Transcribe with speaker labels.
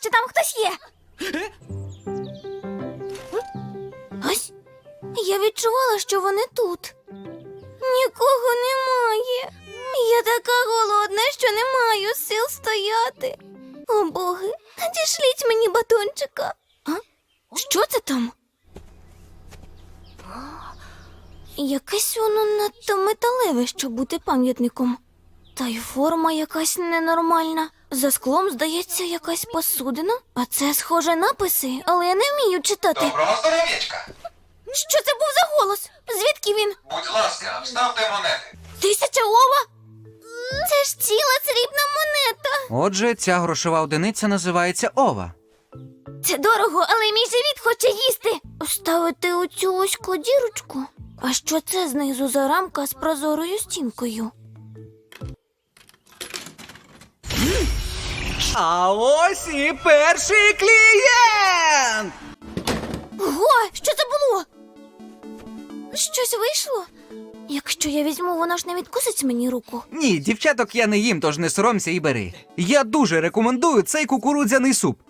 Speaker 1: що там хтось є. Ось, я відчувала, що вони тут. Нікого немає. Я така голодна, що не маю сил стояти. О, боги, надішліть мені батончика. А? Що це там? Якесь воно надто металеве, щоб бути пам'ятником. Та й форма якась ненормальна. За склом, здається, якась посудина. А це, схоже, написи, але я не вмію читати.
Speaker 2: Доброго здоров'ячка!
Speaker 1: Що це був за голос? Звідки він?
Speaker 2: Будь ласка, вставте монети.
Speaker 1: 1000 ова? Це ж ціла срібна монета.
Speaker 3: Отже, ця грошова одиниця називається ова.
Speaker 1: Це дорого, але мій живіт хоче їсти. Ставити у цю оську дірочку? А що це знизу за рамка з прозорою стінкою?
Speaker 3: А ось і перший клієнт!
Speaker 1: Ого, що це було? Щось вийшло? Якщо я візьму, вона ж не відкусить мені руку.
Speaker 3: Ні, дівчаток я не їм, тож не соромся і бери. Я дуже рекомендую цей кукурудзяний суп.